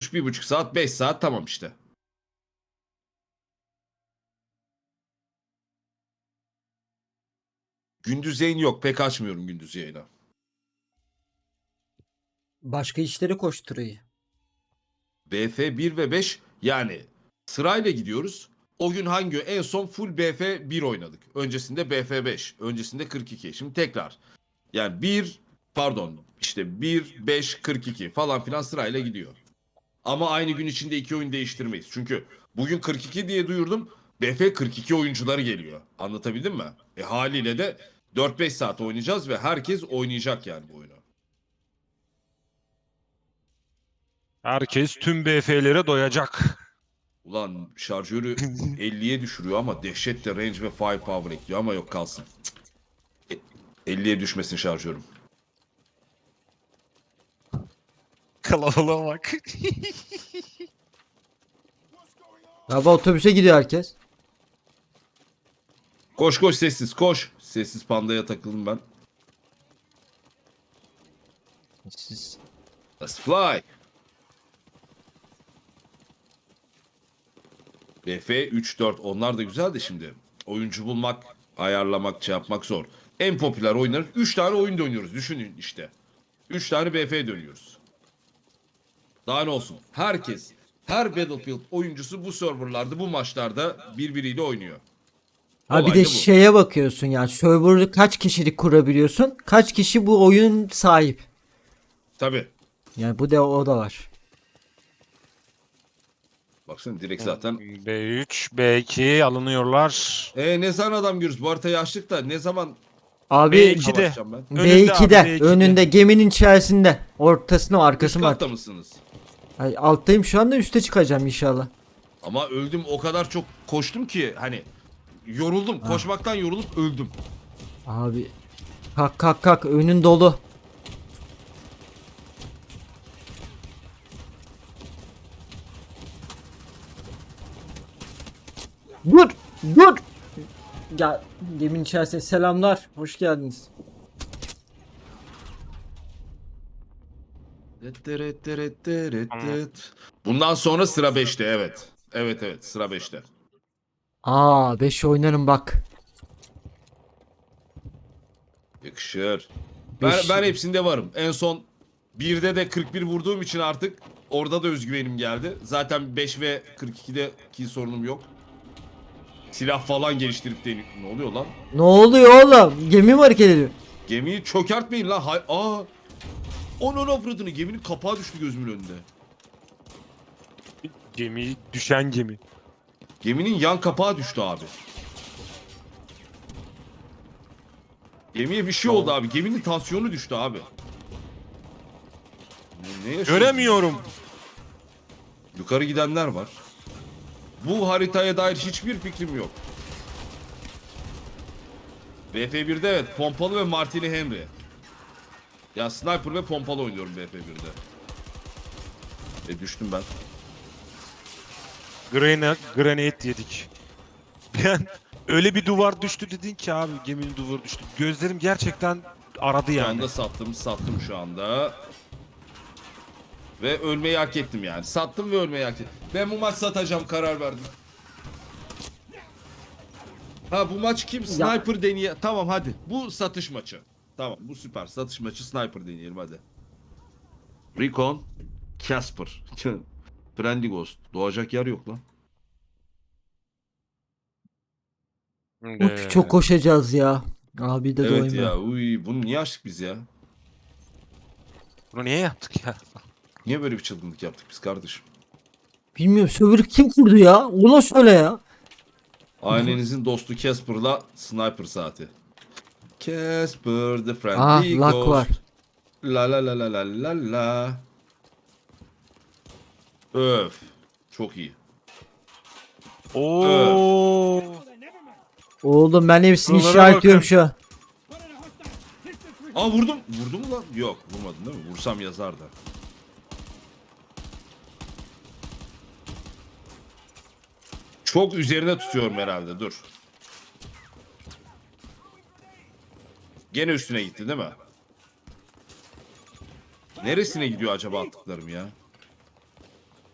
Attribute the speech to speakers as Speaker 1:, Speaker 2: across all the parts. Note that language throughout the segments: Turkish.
Speaker 1: 1,5 saat, 5 saat tamam işte. Gündüz yayın yok. Pek açmıyorum gündüz yayını.
Speaker 2: Başka işleri koşturuyor.
Speaker 1: BF 1 ve 5 yani sırayla gidiyoruz. O gün hangi en son full BF 1 oynadık. Öncesinde BF 5, öncesinde 42. Şimdi tekrar. Yani 1 pardon işte 1 5 42 falan filan sırayla gidiyor. Ama aynı gün içinde iki oyun değiştirmeyiz. Çünkü bugün 42 diye duyurdum. BF 42 oyuncuları geliyor. Anlatabildim mi? Haliyle de 4-5 saat oynayacağız ve herkes oynayacak yani bu oyunu.
Speaker 3: Herkes tüm BF'lere doyacak.
Speaker 1: Ulan şarjörü 50'ye düşürüyor ama dehşet de range ve firepower ekliyor ama yok kalsın. 50'ye düşmesin şarjörüm.
Speaker 3: Kalabalığa bak.
Speaker 2: Galiba otobüse gidiyor herkes.
Speaker 1: Koş koş sessiz koş. Sessiz pandaya takıldım ben.
Speaker 2: Siz...
Speaker 1: Let's fly. BF 3-4 onlar da güzel de şimdi. Oyuncu bulmak, ayarlamak, şey yapmak zor. En popüler oyunlar 3 tane oyun dönüyoruz. Düşünün işte. 3 tane BF dönüyoruz. Daha ne olsun? Herkes, her Battlefield oyuncusu bu serverlarda, bu maçlarda birbiriyle oynuyor.
Speaker 2: Ha bir
Speaker 1: Olay
Speaker 2: de
Speaker 1: da bu.
Speaker 2: şeye bakıyorsun yani server'ı kaç kişilik kurabiliyorsun? Kaç kişi bu oyun sahip?
Speaker 1: Tabii.
Speaker 2: Yani bu da o da var.
Speaker 1: Baksana direkt zaten.
Speaker 3: B3, B2 alınıyorlar.
Speaker 1: Ne zaman adam görürüz? Bu haritayı açtık da ne zaman
Speaker 2: Abi
Speaker 3: B2'de.
Speaker 1: savaşacağım ben?
Speaker 3: Önünde abi,
Speaker 2: B2'de
Speaker 3: B2'de.
Speaker 2: önünde geminin içerisinde. Ortasına
Speaker 1: Üst
Speaker 2: arkası mı
Speaker 1: katta
Speaker 2: artık?
Speaker 1: mısınız?
Speaker 2: Ay, alttayım şu anda üste çıkacağım inşallah.
Speaker 1: Ama öldüm o kadar çok koştum ki hani yoruldum. Koşmaktan yorulup öldüm.
Speaker 2: Abi kalk kalk kalk önün dolu. Dur dur. Ya geminin içerisinde selamlar. Hoş geldiniz.
Speaker 1: Bundan sonra sıra 5'te evet. Evet evet sıra 5'te.
Speaker 2: Aa 5 oynarım bak.
Speaker 1: Yakışır.
Speaker 2: Beş-
Speaker 1: Ben hepsinde varım. En son 1'de de 41 vurduğum için artık orada da özgüvenim geldi. Zaten 5 ve 42'de ki sorunum yok. Silah falan geliştirip de ne oluyor lan?
Speaker 2: Ne oluyor oğlum? Gemi mi hareket ediyor?
Speaker 1: Gemiyi çökertmeyin lan. Aa! Onun avradını geminin kapağı düştü gözümün önünde.
Speaker 3: Gemi, düşen gemi.
Speaker 1: Geminin yan kapağı düştü abi. Gemiye bir şey oldu abi. Geminin tansiyonu düştü abi. Ne yaşıyoruz?
Speaker 3: Göremiyorum.
Speaker 1: Yukarı gidenler var. Bu haritaya dair hiçbir fikrim yok. BF1'de evet pompalı ve Martini Henry. Ya sniper ve pompalı oynuyorum BF1'de. Düştüm ben.
Speaker 3: Granate yedik. Ben öyle bir duvar düştü dedin ki abi, geminin duvarı düştü. Gözlerim gerçekten aradı
Speaker 1: Şu
Speaker 3: yani.
Speaker 1: anda sattım şu anda. Ve ölmeyi hak ettim yani. Sattım ve ölmeyi hak ettim. Ben bu maç satacağım karar verdim. Ha bu maç kim? Sniper deneye. Tamam hadi. Bu satış maçı. Tamam bu süper. Satış maçı sniper deneyelim hadi. Recon. Casper. Friendly Ghost. Doğacak yer yok lan.
Speaker 2: Uf, çok koşacağız ya. Abi de
Speaker 1: Evet
Speaker 2: doymuyor.
Speaker 1: ya. Uy, bunu niye açtık biz ya?
Speaker 3: Bunu niye yaptık ya?
Speaker 1: Niye böyle bir çılgınlık yaptık biz kardeşim?
Speaker 2: Bilmiyorum server'ı kim kurdu ya? Ona söyle ya.
Speaker 1: Ailenizin dostu Casper'la sniper saati. Casper the
Speaker 2: Ah
Speaker 1: friendly
Speaker 2: luck var.
Speaker 1: ghost. La la la la la la la. Öf. Çok iyi.
Speaker 3: Oo.
Speaker 2: Oğlum ben hepsini
Speaker 3: Buralara
Speaker 2: işaretliyorum
Speaker 3: bakın.
Speaker 2: şu an.
Speaker 1: Aa vurdum. Vurdum mu lan? Yok vurmadın değil mi? Vursam yazardı. Çok üzerine tutuyorum herhalde. Dur. Gene üstüne gitti değil mi? Neresine gidiyor acaba attıklarım ya?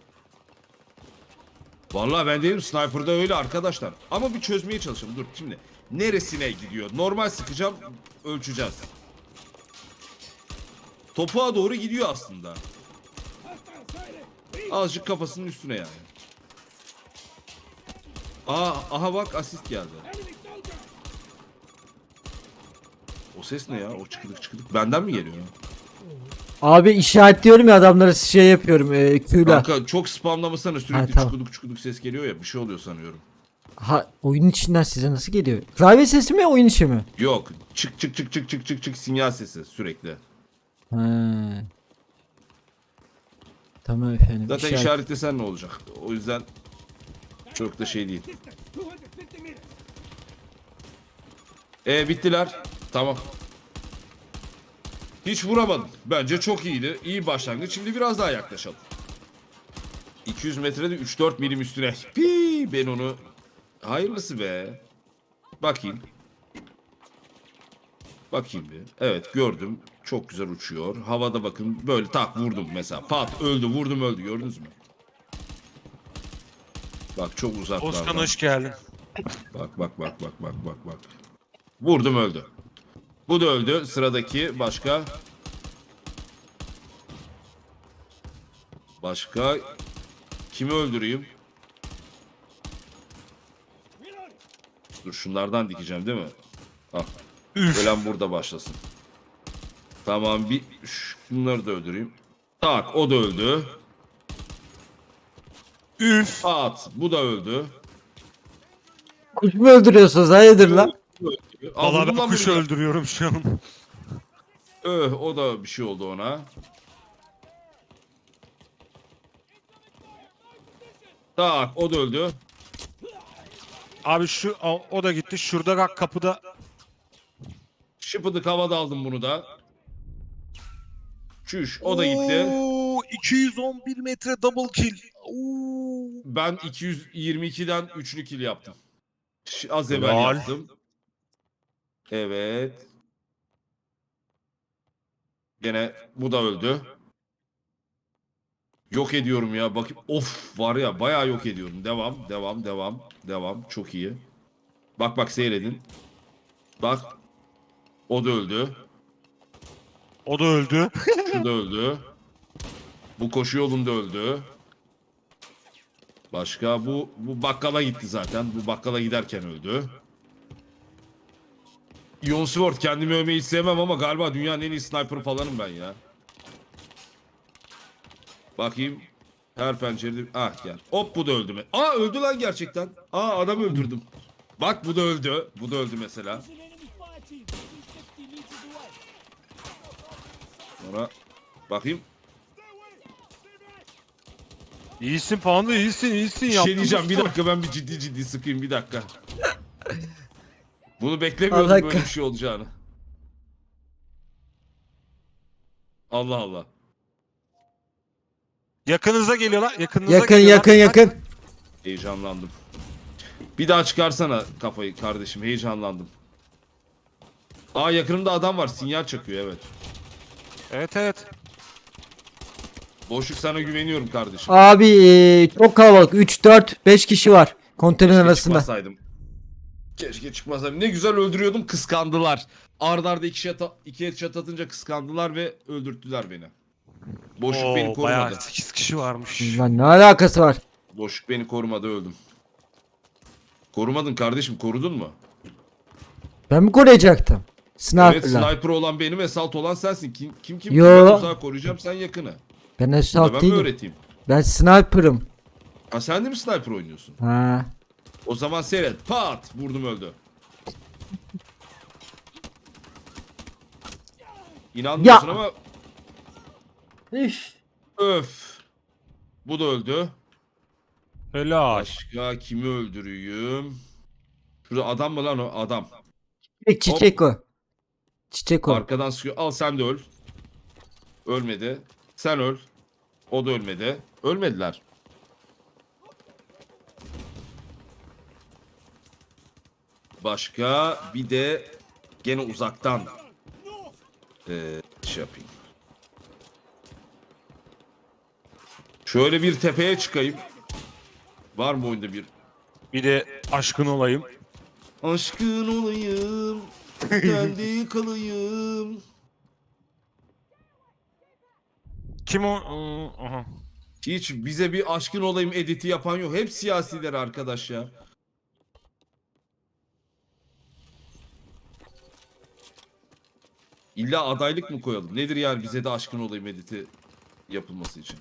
Speaker 1: Vallahi ben değilim, sniper'da öyle arkadaşlar. Ama bir çözmeye çalışalım. Dur şimdi. Neresine gidiyor? Normal sıkacağım, ölçeceğiz. Topuğa doğru gidiyor aslında. Azıcık kafasının üstüne yani. Aha bak, asist geldi. O ses ne ya? O çıkıdık çıkıdık. Benden mi geliyor?
Speaker 2: Abi işaretliyorum ya adamları şey yapıyorum Q'la.
Speaker 1: Kanka çok spamlamasana, sürekli
Speaker 2: Ha, tamam.
Speaker 1: çukuduk çukuduk ses geliyor ya, bir şey oluyor sanıyorum.
Speaker 2: Ha oyun içinden size nasıl geliyor? Klavye sesi mi oyun içi mi?
Speaker 1: Yok, çık çık çık çık çık çık çık sinyal sesi sürekli.
Speaker 2: Ha. Tamam efendim.
Speaker 1: Zaten
Speaker 2: işaret-
Speaker 1: işaretlesen ne olacak? O yüzden çok da şey değil. Bittiler. Tamam. Hiç vuramadım. Bence çok iyiydi. İyi başlangıç. Şimdi biraz daha yaklaşalım. 200 metrede 3-4 milim üstüne. Pi, ben onu... Hayırlısı be. Bakayım. Bakayım bir. Evet, gördüm. Çok güzel uçuyor. Havada bakın böyle tak vurdum mesela. Pat, öldü, vurdum, öldü. Gördünüz mü? Bak çok uzaklardan.
Speaker 3: Oskan hoş geldin.
Speaker 1: Bak bak bak bak bak bak bak. Vurdum, öldü. Bu da öldü. Sıradaki başka. Başka. Kimi öldüreyim? Dur, şunlardan dikeceğim değil mi? Ah.
Speaker 3: Üf.
Speaker 1: Ölen burada başlasın. Tamam, bir şunları da öldüreyim. Tak, o da öldü.
Speaker 3: Üf.
Speaker 1: At, bu da öldü.
Speaker 2: Kuş mu öldürüyorsunuz? Hayırdır lan?
Speaker 1: Al,
Speaker 3: Valla
Speaker 1: vurdum
Speaker 3: ben
Speaker 1: lan
Speaker 3: kuşu
Speaker 1: bunu da.
Speaker 3: öldürüyorum şu an.
Speaker 1: O da bir şey oldu ona. Tak, o da öldü.
Speaker 3: Abi o da gitti. Şurada bak kapıda.
Speaker 1: Şıpıdık havada aldım bunu da. Çüş, o da gitti.
Speaker 3: Oo, 211 metre double kill. Oo.
Speaker 1: Ben 222'den üçlü kill yaptım. Az evvel
Speaker 3: Helal.
Speaker 1: yaptım. Evet. Gene bu da öldü. Yok ediyorum ya. Bakayım. Of, var ya, bayağı yok ediyorum. Devam, devam, devam, devam. Çok iyi. Bak bak, seyredin. Bak. O da öldü.
Speaker 3: O da öldü.
Speaker 1: Şu da öldü. Bu koşu yolunda öldü. Başka bu bakkala gitti zaten. Bu bakkala giderken öldü. Ion Sword, kendimi övmeyi hiç sevmem ama galiba dünyanın en iyi sniper falanım ben ya. Bakayım. Her pencerede... Ah, gel. Hop, bu da öldü mü? Aa, öldü lan gerçekten. Aa, adam öldürdüm. Bak, bu da öldü. Bu da öldü mesela. Sonra bakayım.
Speaker 3: İyisin Panda, iyisin.
Speaker 1: Bir şey diyeceğim, bir dakika, ben bir ciddi sıkayım, bir dakika. Bunu beklemiyordum,
Speaker 2: Allah
Speaker 1: böyle bir şey olacağını. Allah Allah.
Speaker 3: Yakınıza geliyorlar. Yakınıza
Speaker 2: Yakın
Speaker 3: geliyorlar.
Speaker 2: yakın.
Speaker 1: Heyecanlandım. Bir daha çıkarsana kafayı kardeşim, heyecanlandım. Aa, yakınımda adam var, sinyal çakıyor, evet.
Speaker 3: Evet.
Speaker 1: Boşluk, sana güveniyorum kardeşim.
Speaker 2: Abi çok kalabalık. 3, 4, 5 kişi var. Konteyner
Speaker 1: Keşke
Speaker 2: arasında.
Speaker 1: çıkmasaydım. Keşke çıkmasaydım. Ne güzel öldürüyordum, kıskandılar. Arda arda iki headshot atınca kıskandılar ve öldürttüler beni. Boşluk beni
Speaker 3: Oo,
Speaker 1: korumadı.
Speaker 3: bayağı 8 kişi varmış.
Speaker 2: Lan ne alakası var?
Speaker 1: Boşluk beni korumadı, öldüm. Korumadın kardeşim, korudun mu?
Speaker 2: Ben mi koruyacaktım?
Speaker 1: Evet,
Speaker 2: Sniper'la.
Speaker 1: sniper olan benim, esalt olan sensin. Kim?
Speaker 2: Yo.
Speaker 1: Ben uzağa koruyacağım, sen yakını.
Speaker 2: Ben
Speaker 1: Bunu da
Speaker 2: assault
Speaker 1: ben mi
Speaker 2: değilim.
Speaker 1: öğreteyim?
Speaker 2: Ben sniper'ım.
Speaker 1: Ha, sen de mi sniper oynuyorsun?
Speaker 2: Ha.
Speaker 1: O zaman seyret. Pat! Vurdum, öldü. İnanmıyorsun
Speaker 2: Ya.
Speaker 1: ama
Speaker 2: Üf.
Speaker 1: öf. Bu da öldü.
Speaker 3: Helal.
Speaker 1: Başka kimi öldüreyim? Şurada adam mı lan o? Adam.
Speaker 2: Çiçek o. Çiçek o.
Speaker 1: Arkadan sıkıyor. Al, sen de öl. Ölmedi. Sen öl. O da ölmedi. Ölmediler. Başka bir de gene uzaktan şey yapayım. Şöyle bir tepeye çıkayım. Var mı oyunda bir?
Speaker 3: Bir de aşkın olayım.
Speaker 1: Aşkın olayım, kendi kalayım.
Speaker 3: Kim o? Aha.
Speaker 1: Hiç bize bir aşkın olayım editi yapan yok. Hep siyasiler arkadaş ya. İlla adaylık mı koyalım? Nedir yani bize de aşkın olayım editi yapılması için?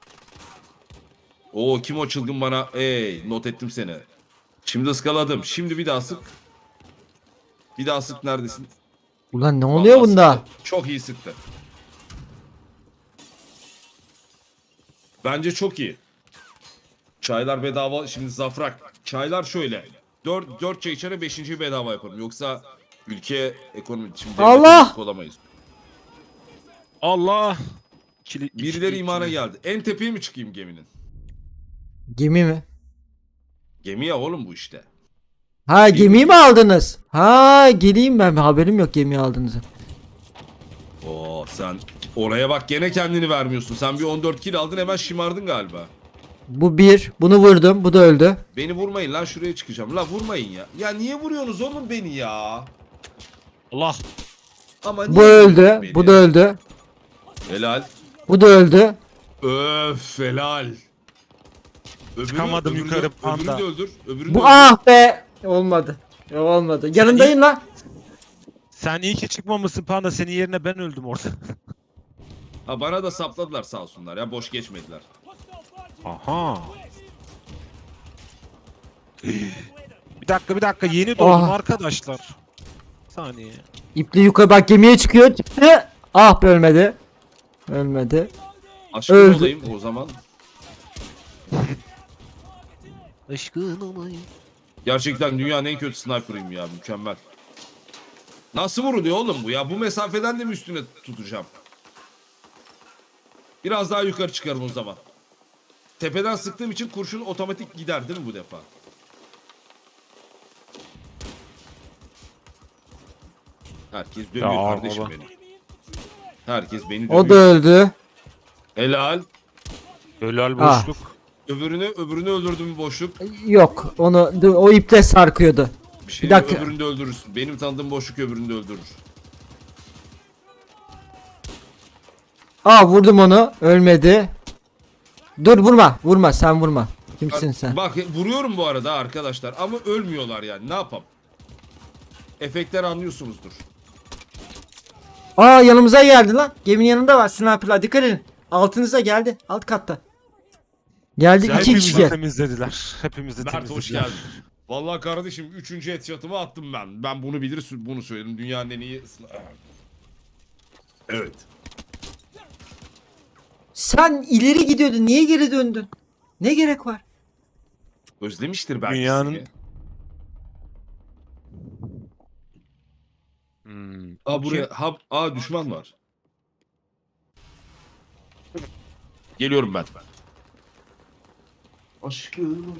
Speaker 1: Oo kim o çılgın bana? Ey not ettim seni. Şimdi ıskaladım. Şimdi bir daha sık. Bir daha sık neredesin?
Speaker 2: Ulan ne oluyor
Speaker 1: Vallahi
Speaker 2: bunda?
Speaker 1: sıktı. Çok iyi sıktı. Bence çok iyi. Çaylar bedava. Şimdi zafrak. Çaylar şöyle. 4 çay içene 5.'yi bedava yaparım. Yoksa ülke ekonomi şimdi devlet
Speaker 2: Allah!
Speaker 1: büyük olamayız.
Speaker 3: Allah.
Speaker 1: Birileri imana geldi. En tepeye mi çıkayım geminin?
Speaker 2: Gemi mi?
Speaker 1: Gemi ya oğlum bu işte.
Speaker 2: Ha gemiyi mi aldınız? Ha geleyim ben. Haberim yok gemiyi aldığınızı.
Speaker 1: Oo sen oraya bak gene kendini vermiyorsun. Sen bir 14 kill aldın hemen şımardın galiba.
Speaker 2: Bu bir. Bunu vurdum. Bu da öldü.
Speaker 1: Beni vurmayın lan şuraya çıkacağım. La vurmayın ya. Ya niye vuruyorsunuz oğlum beni ya?
Speaker 3: Allah.
Speaker 1: Ama
Speaker 2: Bu
Speaker 1: niye
Speaker 2: öldü.
Speaker 1: vuruyorsunuz beni?
Speaker 2: Bu da öldü.
Speaker 1: Helal.
Speaker 2: Bu da öldü.
Speaker 1: Öf helal.
Speaker 3: Çıkamadım yukarı panda.
Speaker 1: Öbürünü de öldür. Öbürünü de
Speaker 2: Bu
Speaker 1: öldür.
Speaker 2: ah be. Olmadı. Olmadı. Yanındayım lan.
Speaker 3: Sen iyi ki çıkmamışsın panda. Senin yerine ben öldüm orada.
Speaker 1: Ha, bana da sapladılar sağ olsunlar ya boş geçmediler.
Speaker 3: Aha. Bir dakika yeni doğdum
Speaker 2: Ah.
Speaker 3: arkadaşlar. Bir saniye.
Speaker 2: İpli yukarı bak gemiye çıkıyor. Çıktı. Ah be ölmedi. Ölmedi.
Speaker 1: Aşkın
Speaker 2: Öldü.
Speaker 1: olayım o zaman.
Speaker 3: Aşkın olayım.
Speaker 1: Gerçekten dünyanın en kötü sniper'ıyım ya mükemmel. Nasıl vuruluyor oğlum bu ya? Bu mesafeden de mi üstüne tutacağım? Biraz daha yukarı çıkarım o zaman. Tepeden sıktığım için kurşun otomatik gider değil mi bu defa? Herkes dövüyor
Speaker 3: Ya,
Speaker 1: kardeşim
Speaker 3: baba.
Speaker 1: beni. Herkes beni dövüyor.
Speaker 2: O da öldü.
Speaker 1: Helal.
Speaker 3: Helal
Speaker 2: Ah.
Speaker 3: boşluk.
Speaker 1: Öbürünü öldürdüm boşluk.
Speaker 2: Yok. Onu o iple sarkıyordu.
Speaker 1: Bir şey
Speaker 2: Bir dakika.
Speaker 1: öbürünü de öldürürsün. Benim tanıdığım boşluk öbürünü de öldürür.
Speaker 2: Aa vurdum onu. Ölmedi. Dur vurma. Vurma sen vurma. Kimsin sen?
Speaker 1: Bak vuruyorum bu arada arkadaşlar ama ölmüyorlar yani ne yapalım. Efektler anlıyorsunuzdur.
Speaker 2: Aa yanımıza geldi lan. Geminin yanında var. Sniper'lar dikkat edin. Altınıza geldi. Alt katta. Geldi iki
Speaker 3: Hepimizi
Speaker 2: kişi.
Speaker 3: temizlediler. Hepimizi
Speaker 1: Mert
Speaker 3: temizlediler.
Speaker 1: hoş geldin. Vallahi kardeşim 3. headshot'ımı attım ben. Ben bunu bilir bunu söyledim. Dünyanın en iyi Evet.
Speaker 2: Sen ileri gidiyordun. Niye geri döndün? Ne gerek var?
Speaker 1: Özlemiştir belki
Speaker 3: Dünyanın-
Speaker 1: seni. Aa buraya düşman var. Geliyorum ben. Aşkım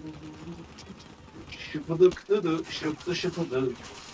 Speaker 1: şıpıdık dıdı şıptı şıpıdık.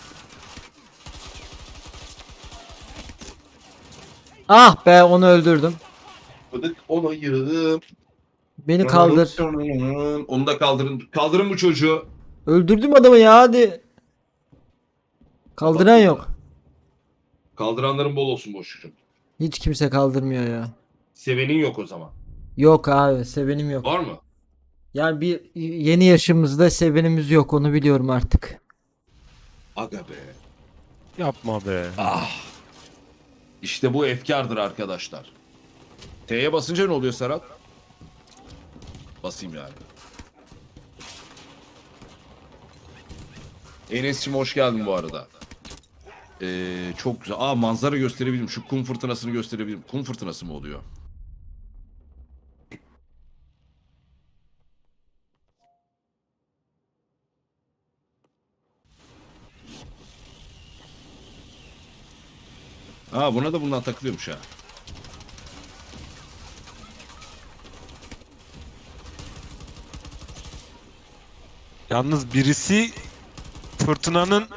Speaker 2: Ah be onu öldürdüm.
Speaker 1: Şıpıdık olayım.
Speaker 2: Beni kaldır.
Speaker 1: Onu da kaldırın. Kaldırın bu çocuğu.
Speaker 2: Öldürdüm adamı ya hadi. Kaldıran yok.
Speaker 1: Kaldıranların bol olsun boşluğum.
Speaker 2: Hiç kimse kaldırmıyor ya.
Speaker 1: Sevenin yok o zaman.
Speaker 2: Yok abi sevenim yok.
Speaker 1: Var mı?
Speaker 2: Yani bir yeni yaşımızda sevenimiz yok onu biliyorum artık.
Speaker 1: Aga be.
Speaker 3: Yapma be.
Speaker 1: İşte bu efkardır arkadaşlar. T'ye basınca ne oluyor Serhat? Basayım yani. Enes'cim hoş geldin bu arada. Çok güzel. Manzara gösterebilirim. Şu kum fırtınasını gösterebilirim. Kum fırtınası mı oluyor? Buna da bundan takılıyormuş ha.
Speaker 3: Yalnız birisi fırtınanın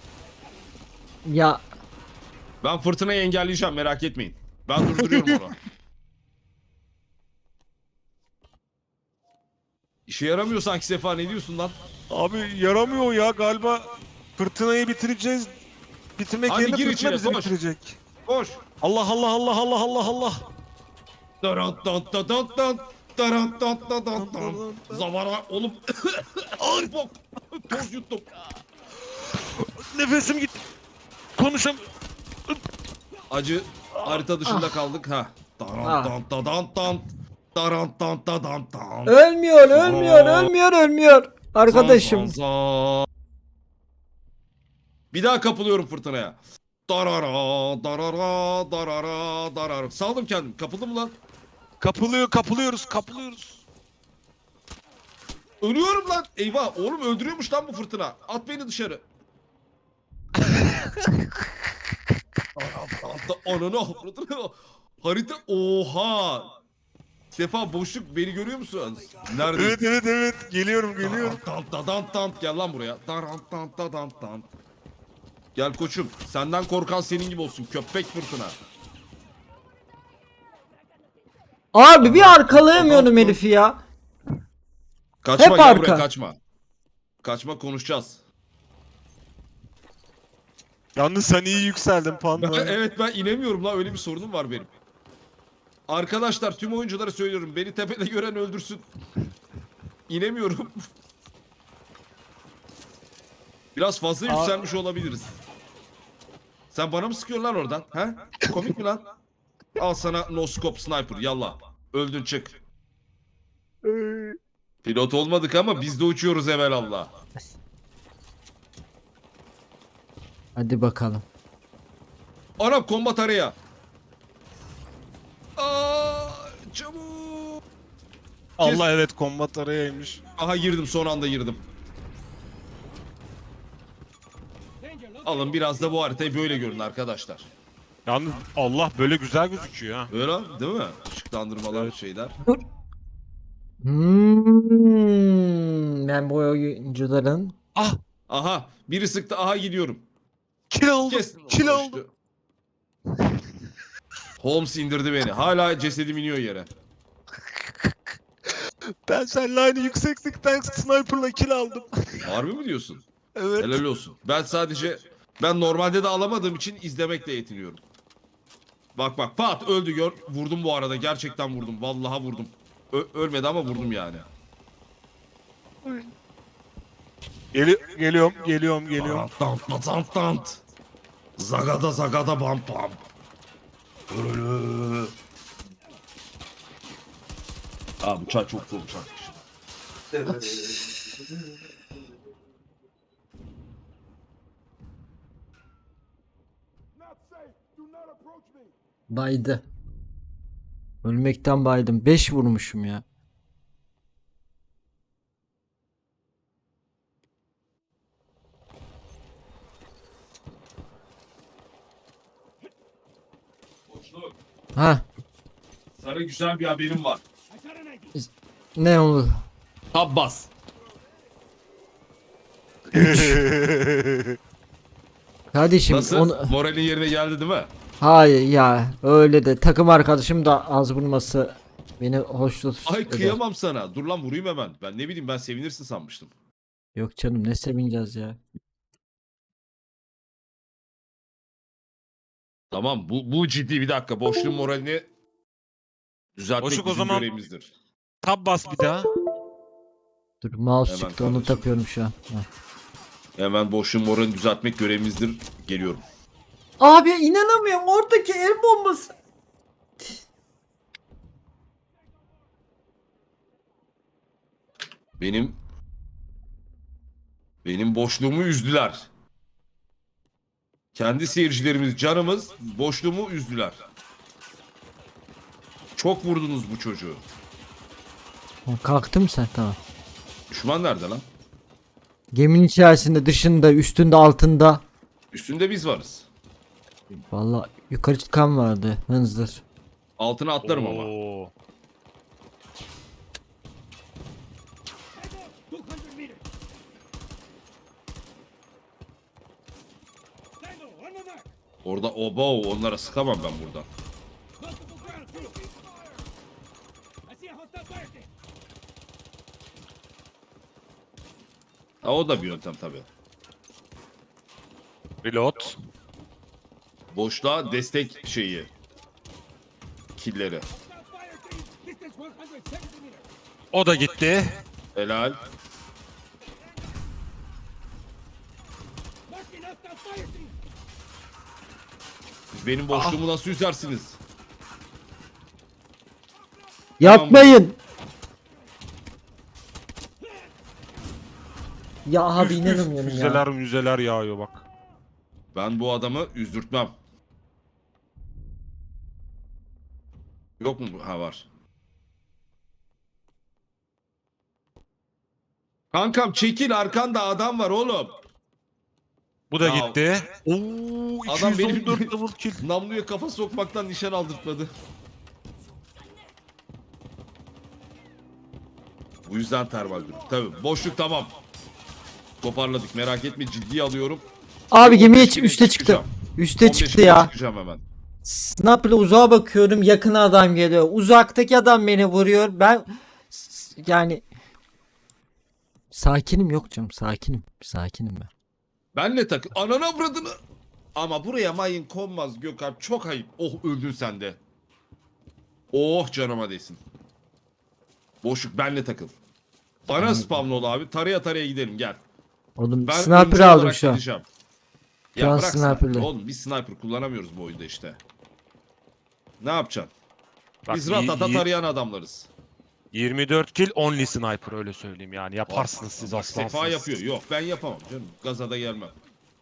Speaker 2: Ya
Speaker 1: Ben fırtınayı engelleyeceğim merak etmeyin. Ben durduruyorum onu. İşe yaramıyor sanki Sefa, ne diyorsun lan?
Speaker 3: Abi yaramıyor ya galiba, fırtınayı bitireceğiz. Bitirmek
Speaker 1: Hadi
Speaker 3: yerine
Speaker 1: gir
Speaker 3: fırtına
Speaker 1: içine,
Speaker 3: bizi
Speaker 1: koş.
Speaker 3: bitirecek.
Speaker 1: Koş.
Speaker 3: Allah Allah Allah Allah Allah Allah.
Speaker 1: Darant dant da dant dant. Darant dant da dant dant. Zavara oğlum. Ay bok. Toz yuttum.
Speaker 3: Nefesim gitti. Konuşam.
Speaker 1: Acı harita dışında kaldık ha. Darant
Speaker 2: Ah.
Speaker 1: dant da dant dant. Darant dant da dant dant.
Speaker 2: Ölmüyor, ölmüyor. Arkadaşım.
Speaker 1: Zan, zan, zan. Bir daha kapılıyorum fırtınaya. Darara, darara, darara, darara. Saldım kendim. Kapıldım mı lan?
Speaker 3: Kapılıyoruz.
Speaker 1: Ölüyorum lan. Eyvah. Oğlum öldürüyormuş lan bu fırtına. At beni dışarı. Ananı avradını. Harita. Oha. Sefa boşluk, beni görüyor musun? Nerede?
Speaker 3: Evet. Geliyorum.
Speaker 1: Tant da tant tant. Gel lan buraya. Tant tant da tant tant. Gel koçum. Senden korkan senin gibi olsun. Köpek fırtına.
Speaker 2: Abi bir arkalayamıyorum herifi ya.
Speaker 1: Kaçma,
Speaker 2: Hep
Speaker 1: gel
Speaker 2: arka.
Speaker 1: buraya, kaçma. Kaçma, konuşacağız.
Speaker 3: Yalnız sen iyi yükseldin Panda.
Speaker 1: Evet, ben inemiyorum lan, öyle bir sorunum var benim. Arkadaşlar tüm oyunculara söylüyorum, beni tepede gören öldürsün. İnemiyorum. Biraz fazla yükselmiş olabiliriz. Sen bana mı sıkıyorsun lan oradan? He? Komik mi lan? Al sana no scope sniper, yallah. Öldün, çık. Pilot olmadık ama biz de uçuyoruz evelallah.
Speaker 2: Hadi bakalım.
Speaker 1: Anam, kombat araya. Aa, çabuk.
Speaker 3: Allah, evet, kombat arayaymış.
Speaker 1: Aha, girdim, son anda girdim. Alın biraz da bu haritayı böyle görün arkadaşlar.
Speaker 3: Yalnız Allah böyle güzel gözüküyor ha.
Speaker 1: Öyle değil mi? Işıklandırmalar,
Speaker 3: Evet.
Speaker 1: şeyler.
Speaker 2: Ben bu oyuncuların
Speaker 3: Ah,
Speaker 1: Aha, biri sıktı, aha gidiyorum.
Speaker 3: kill aldım.
Speaker 1: Kestim.
Speaker 3: Kill
Speaker 1: o
Speaker 3: aldım.
Speaker 1: işte. Holmes indirdi beni. Hala cesedim iniyor yere.
Speaker 3: Ben seninle aynı yükseklikten sniper'la kill aldım.
Speaker 1: Harbi mi diyorsun?
Speaker 3: Evet.
Speaker 1: Helal olsun. Ben normalde de alamadığım için izlemekle yetiniyorum. Bak bak, pat öldü, gör. Vurdum bu arada, gerçekten vurdum. Vallahi vurdum. Ölmedi ama vurdum yani.
Speaker 3: Geliyorum.
Speaker 1: Tant tant tant. Zagada zagada bam bam. Ölü. Abi uçak çok zor uçak.
Speaker 2: baydı. Ölmekten baydım. 5 vurmuşum ya.
Speaker 1: Boşluk.
Speaker 2: Ha,
Speaker 1: Sana güzel bir haberim var.
Speaker 2: ne oldu?
Speaker 1: Tab bas.
Speaker 2: Kardeşim
Speaker 1: Nasıl?
Speaker 2: onu...
Speaker 1: Moralin yerine geldi değil mi?
Speaker 2: Hayır ya, öyle de takım arkadaşım da az vurması beni hoşnut
Speaker 1: Ay
Speaker 2: eder.
Speaker 1: kıyamam sana. Dur lan, vurayım hemen. Ben ne bileyim, ben sevinirsin sanmıştım.
Speaker 2: Yok canım, ne sevineceğiz ya.
Speaker 1: Tamam, bu ciddi, bir dakika. Boşluğun moralini düzeltmek
Speaker 3: Boşluk, o
Speaker 1: bizim
Speaker 3: zaman-
Speaker 1: görevimizdir.
Speaker 3: Tab bas bir daha.
Speaker 2: Dur, mouse
Speaker 1: Hemen
Speaker 2: çıktı, onu
Speaker 1: kardeşim.
Speaker 2: takıyorum şu an. Ha.
Speaker 1: Hemen boşluğun moralini düzeltmek görevimizdir. Geliyorum.
Speaker 2: Abi inanamıyorum, oradaki el bombası.
Speaker 1: Benim boşluğumu üzdüler. Kendi seyircilerimiz, canımız boşluğumu üzdüler. Çok vurdunuz bu çocuğu.
Speaker 2: Kalktım sen, tamam.
Speaker 1: Düşman nerede lan?
Speaker 2: Geminin içerisinde, dışında, üstünde, altında.
Speaker 1: Üstünde biz varız.
Speaker 2: Vallahi yukarı çıkan vardı, hınzır.
Speaker 1: Altına atlarım ama.
Speaker 3: Oo.
Speaker 1: Orada obo, onlara sıkamam ben buradan. Ha, o da bir yöntem tabii.
Speaker 3: Reload.
Speaker 1: Boşluğa destek şeyi. Killeri.
Speaker 3: O da gitti.
Speaker 1: Helal. Siz benim boşluğumu nasıl üzersiniz?
Speaker 2: Yapmayın. Ya abi inanamıyorum ya.
Speaker 3: Müzeler müzeler yağıyor bak.
Speaker 1: Ben bu adamı üzdürtmem. Yok mu? Ha, var. Kankam çekil, arkanda adam var oğlum.
Speaker 3: Bu da
Speaker 1: Ya,
Speaker 3: gitti. Oo,
Speaker 1: adam benim
Speaker 3: 214 double kill.
Speaker 1: namluya kafa sokmaktan nişan aldırtmadı. Bu yüzden termal durum. Tabii boşluk tamam. Toparladık, merak etme, ciddiye alıyorum.
Speaker 2: Abi gemiye
Speaker 1: 15 kere
Speaker 2: üste çıktı.
Speaker 1: çıkacağım.
Speaker 2: Üste
Speaker 1: 15
Speaker 2: çıktı
Speaker 1: kere
Speaker 2: ya.
Speaker 1: Çıkacağım hemen.
Speaker 2: Sniper'la uzağa bakıyorum, yakına adam geliyor. Uzaktaki adam beni vuruyor. Ben yani sakinim, yok canım, sakinim. Sakinim ben.
Speaker 1: Benle takıl. Ananı avradını. Ama buraya mayın konmaz Gökhan. Çok ayıp. Oh, öldün sen de. Oh, canıma değsin. Boşluk, benle takıl. Bana spamlı ol abi. Taraya taraya gidelim, gel.
Speaker 2: Oğlum
Speaker 1: Ben
Speaker 2: sniper
Speaker 1: öncü
Speaker 2: aldım
Speaker 1: olarak
Speaker 2: şu an.
Speaker 1: gideceğim.
Speaker 2: Şu an
Speaker 1: Ya bırak sniper.
Speaker 2: sniper'lı.
Speaker 1: Oğlum biz sniper kullanamıyoruz bu oyunda işte. Ne yapacaksın?
Speaker 3: Bak,
Speaker 1: Biz ratata tarayan adamlarız.
Speaker 3: 24 kill only sniper, öyle söyleyeyim yani. Yaparsınız siz,
Speaker 1: Bak,
Speaker 3: aslansınız.
Speaker 1: Sefa yapıyor. Yok, ben yapamam canım. Gaza da gelmem.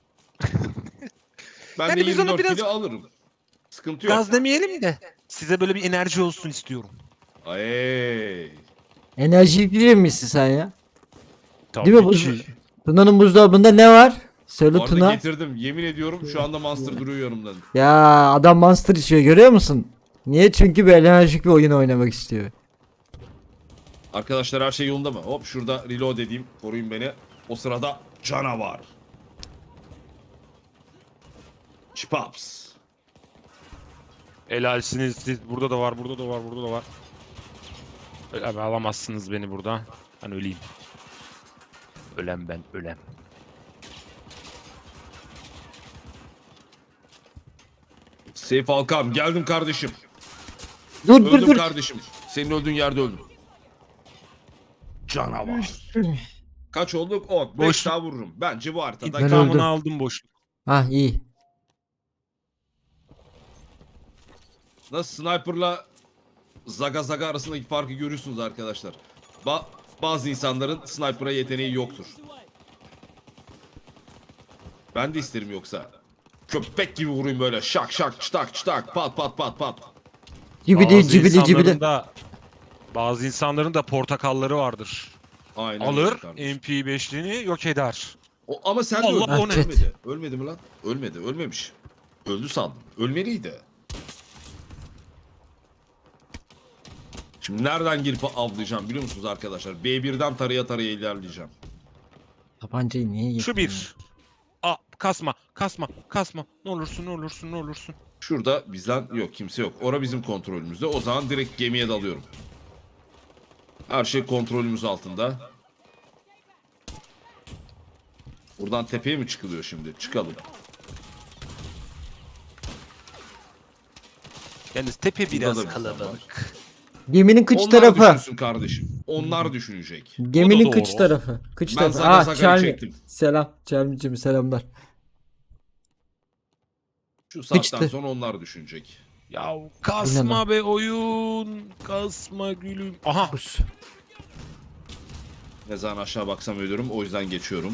Speaker 1: Ben
Speaker 3: Yani
Speaker 1: de
Speaker 3: biz onu
Speaker 1: 24
Speaker 3: biraz
Speaker 1: kilo alırım. Sıkıntı yok.
Speaker 3: Gaz demeyelim de size böyle bir enerji olsun istiyorum.
Speaker 1: Ay.
Speaker 2: Enerji bilir misin sen ya?
Speaker 3: Tabii
Speaker 2: Değil mi?
Speaker 3: ki.
Speaker 2: Tuna'nın buzdolabında ne var? Söyle
Speaker 1: Bu arada
Speaker 2: Tuna.
Speaker 1: getirdim. Yemin ediyorum şu anda Monster duruyor yanımda.
Speaker 2: Ya adam Monster içiyor, görüyor musun? Niye? Çünkü bir enerjik bir oyun oynamak istiyor.
Speaker 1: Arkadaşlar her şey yolunda mı? Hop, şurada reload edeyim. Koruyun beni. O sırada canavar. Chipaps.
Speaker 3: Helalsiniz siz. Burada da var, burada da var, burada da var. Öyle abi, alamazsınız beni burada. Ben öleyim. Ölem ben, ölem.
Speaker 1: Seyf Alkan, geldim kardeşim.
Speaker 2: Dur dur
Speaker 1: Öldüm
Speaker 2: dur.
Speaker 1: kardeşim. Senin öldüğün yerde öldüm. Canavar. Kaç olduk? 10. 5
Speaker 3: Boş-
Speaker 1: daha vururum. Bence bu haritada.
Speaker 2: Ben öldüm.
Speaker 3: İntikamını aldım boş.
Speaker 2: Ha iyi.
Speaker 1: Nasıl sniper'la Zaga Zaga arasındaki farkı görüyorsunuz arkadaşlar. Bazı insanların sniper'a yeteneği yoktur. Ben de isterim yoksa. Köpek gibi vurayım böyle, şak şak çıtak çıtak, pat pat pat pat.
Speaker 2: Cibili cibili cibili.
Speaker 3: Bazı insanların da portakalları vardır.
Speaker 1: Aynen öyle
Speaker 3: Alır
Speaker 1: kardeşim.
Speaker 3: MP5'liğini yok eder.
Speaker 1: Ama sen de
Speaker 3: Allah,
Speaker 1: öldün.
Speaker 3: o ne?
Speaker 1: Ölmedi. Ölmedi mi lan? Ölmedi. Ölmemiş. Öldü sandım. Ölmeliydi. Şimdi nereden girip avlayacağım biliyor musunuz arkadaşlar? B1'den taraya taraya ilerleyeceğim.
Speaker 2: Tabancayı niye yedin?
Speaker 3: Şu bir. Kasma, kasma, kasma. Ne olursun, ne olursun, ne olursun.
Speaker 1: Şurada bizden yok, kimse yok. Ora bizim kontrolümüzde. O zaman direkt gemiye dalıyorum. Her şey kontrolümüz altında. Buradan tepeye mi çıkılıyor şimdi? Çıkalım.
Speaker 3: Yalnız tepe
Speaker 1: Burada da
Speaker 3: biraz
Speaker 1: bir
Speaker 3: kalabalık.
Speaker 2: Geminin kıç
Speaker 1: Onlar
Speaker 2: tarafı.
Speaker 1: düşünsün kardeşim. Onlar düşünecek.
Speaker 2: Geminin
Speaker 3: O da
Speaker 2: kıç
Speaker 3: doğru.
Speaker 2: tarafı. Kıç
Speaker 1: Ben
Speaker 2: tarafı.
Speaker 1: Zaga Zaga'yı
Speaker 2: Charlie.
Speaker 1: çektim.
Speaker 2: Selam. Charlie'cim selamlar.
Speaker 1: Şu saatten
Speaker 2: Sıçtı.
Speaker 1: sonra onlar düşünecek.
Speaker 3: Ya
Speaker 2: Bu ne
Speaker 3: kasma be oyun. Kasma gülüm. Aha.
Speaker 2: Pus.
Speaker 1: Ne zaman aşağı baksam ölürüm. O yüzden geçiyorum.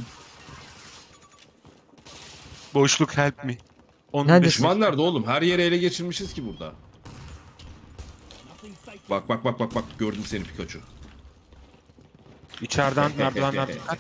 Speaker 3: Boşluk help me. 15
Speaker 2: Neredesin?
Speaker 1: Düşman nerede oğlum? Her yeri ele geçirmişiz ki burada. Bak bak bak bak bak. Gördüm seni Pikachu.
Speaker 3: İçeriden merdivenler dikkat.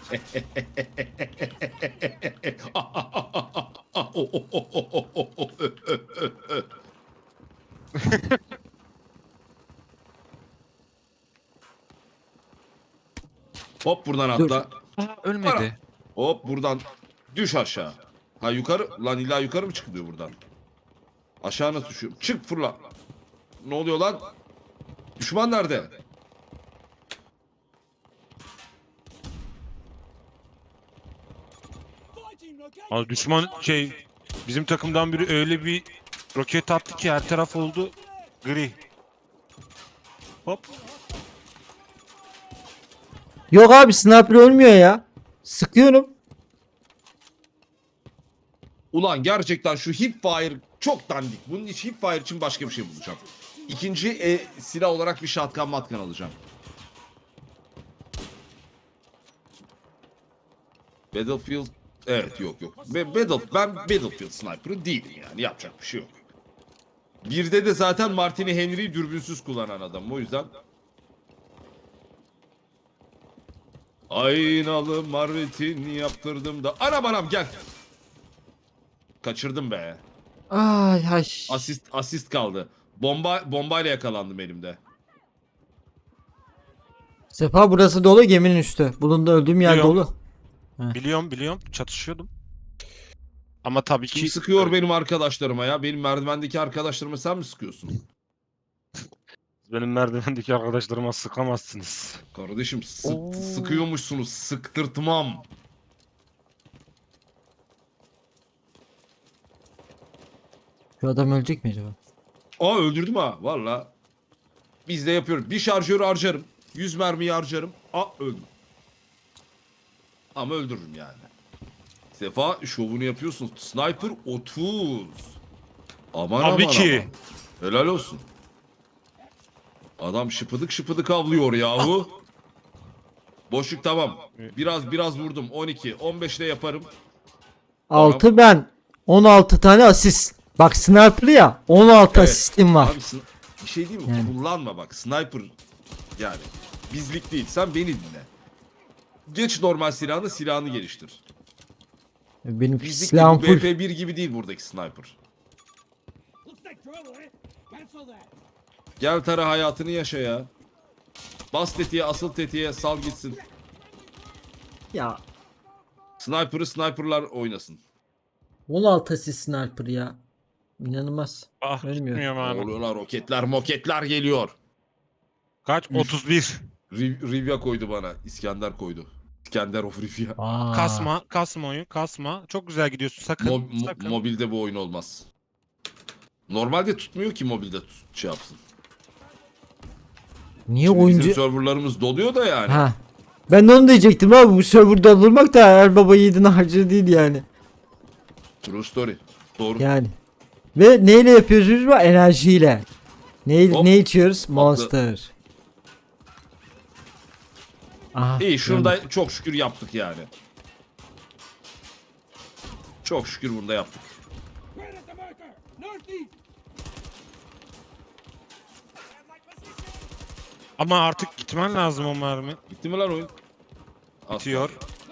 Speaker 1: Hop buradan
Speaker 2: Dur.
Speaker 1: atla.
Speaker 3: Aha, ölmedi.
Speaker 1: Hop buradan düş aşağı. Ha yukarı. Lan illa yukarı mı çıkılıyor buradan? Aşağı nasıl düşüyorum? Çık fırla. Ne oluyor lan? Düşman nerede?
Speaker 3: Ama düşman bizim takımdan biri öyle bir roket attı ki her taraf oldu gri. Hop.
Speaker 2: Yok abi sniper ölmüyor ya. Sıkıyorum.
Speaker 1: Ulan gerçekten şu hipfire çok dandik. Bunun için hipfire için başka bir şey bulacağım. İkinci silah olarak bir shotgun matkan alacağım. Battlefield evet yok. Ben Battlefield sniper'ı değilim yani yapacak bir şey yok. Birde de zaten Martini Henry'yi dürbünsüz kullanan adam o yüzden. Aynalı marvetin yaptırdım da anam gel. Kaçırdım be.
Speaker 2: Ay ay.
Speaker 1: Asist kaldı. Bombayla yakalandım elimde.
Speaker 2: Sefa burası dolu geminin üstü. Bulundu öldüğüm yer
Speaker 3: Biliyorum.
Speaker 2: dolu.
Speaker 3: Biliyorum çatışıyordum. Ama tabii
Speaker 1: Kim
Speaker 3: ki
Speaker 1: sıkıyor benim arkadaşlarıma ya? Benim merdivendeki arkadaşlarıma sen mi sıkıyorsun?
Speaker 3: benim merdivendeki arkadaşlarıma sıkamazsınız.
Speaker 1: Kardeşim
Speaker 3: Oo.
Speaker 1: sıkıyormuşsunuz. Sıktırtmam.
Speaker 2: Şu adam ölecek mi acaba?
Speaker 1: Aa öldürdüm ha valla. Biz de yapıyoruz. Bir şarjörü harcarım. 100 mermiyi harcarım. Aa öldüm. Ama öldürürüm yani. Sefa şovunu yapıyorsun. Sniper 30. Aman
Speaker 3: Tabii
Speaker 1: aman
Speaker 3: ki.
Speaker 1: aman. Helal olsun. Adam şıpıdık avlıyor yahu. Boşluk tamam. Biraz vurdum. 12. 15 de yaparım.
Speaker 2: 6 ben. 16 tane asist. Bak sniper ya. 16
Speaker 1: Evet.
Speaker 2: asistim var.
Speaker 1: Abi bir şey değil mi?
Speaker 2: Yani.
Speaker 1: Kullanma bak. Sniper yani. Bizlik değil. Sen beni dinle. Geç normal silahını geliştir.
Speaker 2: Benim
Speaker 1: Bizlik
Speaker 2: silahım
Speaker 1: değil. Bu
Speaker 2: full.
Speaker 1: BP1 gibi değil buradaki sniper. Gel tara hayatını yaşa ya. Bas tetiğe, asıl tetiğe sal gitsin.
Speaker 2: Ya
Speaker 1: Sniper'lar oynasın.
Speaker 2: 16 asist sniper ya. İnanılmaz.
Speaker 3: Ah
Speaker 2: Ölmüyor.
Speaker 3: gitmiyorum abi.
Speaker 1: Oluyorlar roketler geliyor.
Speaker 3: Kaç? 31.
Speaker 1: Rivya koydu bana. İskender koydu. İskender of Rivya.
Speaker 2: Aa.
Speaker 3: Kasma oyun, kasma. Çok güzel gidiyorsun. Sakın, sakın.
Speaker 1: Mobilde bu oyun olmaz. Normalde tutmuyor ki mobilde şey yapsın.
Speaker 2: Niye
Speaker 1: Şimdi
Speaker 2: oyuncu...
Speaker 1: bizim serverlarımız doluyor da yani.
Speaker 2: Ha. Ben de onu diyecektim abi. Bu serverda durmak da her baba yiğidin harcı değil yani.
Speaker 1: True story. Doğru.
Speaker 2: Yani. Ve neyle yapıyoruz biz bu? Enerjiyle.
Speaker 1: Hop.
Speaker 2: Ne içiyoruz? Monster. Aha.
Speaker 1: İyi şunu
Speaker 2: gördüm.
Speaker 1: da çok şükür yaptık yani. Çok şükür bunu da yaptık.
Speaker 3: Ama artık gitmen lazım o mermi.
Speaker 1: Bitti mi lan oyun? Asla.
Speaker 3: Bitiyor.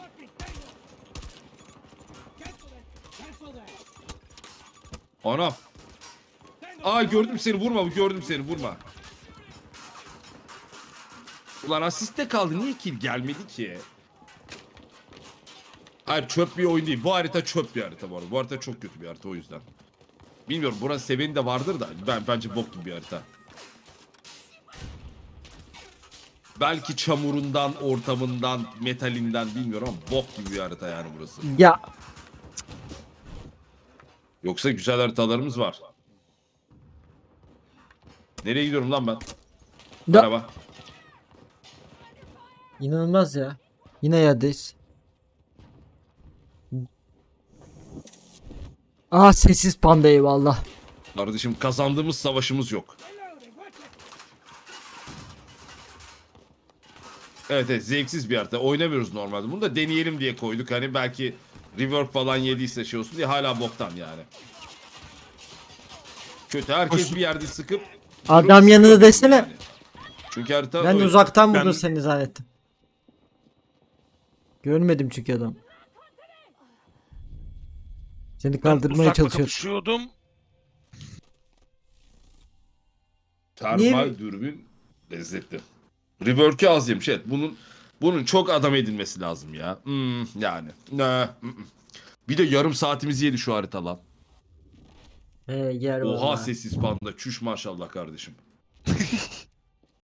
Speaker 1: Anam. Aa gördüm seni vurma. Ulan asiste kaldı niye kill gelmedi ki? Hayır çöp bir oyun değil. Bu harita çöp bir harita bu arada. Bu harita çok kötü bir harita o yüzden. Bilmiyorum buranın seveni de vardır da bence bok gibi bir harita. Belki çamurundan, ortamından, metalinden bilmiyorum ama bok gibi bir harita yani burası.
Speaker 2: Ya.
Speaker 1: Yoksa güzel haritalarımız var. Nereye gidiyorum lan ben?
Speaker 2: Da.
Speaker 1: Merhaba.
Speaker 2: İnanılmaz ya. Yine yerdeyiz. Aa sessiz panda eyvallah.
Speaker 1: Kardeşim kazandığımız savaşımız yok. Evet zevksiz bir harita. Oynamıyoruz normalde. Bunu da deneyelim diye koyduk. Hani belki rework falan yediyse şey olsun diye hala boktan yani. Kötü. Herkes bir yerde sıkıp
Speaker 2: Adam
Speaker 1: durup
Speaker 2: yanında
Speaker 1: sıkıyor
Speaker 2: desene.
Speaker 1: yani. Çünkü harita
Speaker 2: Ben
Speaker 1: öyle.
Speaker 2: uzaktan
Speaker 3: Ben-
Speaker 2: vurdum seni zannettim. Görmedim çünkü adam. Seni
Speaker 3: Ben
Speaker 2: kaldırmaya
Speaker 3: uzakla
Speaker 2: çalışıyor.
Speaker 3: kapışıyordum.
Speaker 1: Termal
Speaker 2: Niye-
Speaker 1: dürbün lezzetli. Rework'ü az yemiş. Evet bunun çok adam edilmesi lazım ya. Yani. Bir de yarım saatimizi yedi şu harita lan.
Speaker 2: Yer
Speaker 1: Oha
Speaker 2: vallahi.
Speaker 1: sessiz panda. Çüş maşallah kardeşim.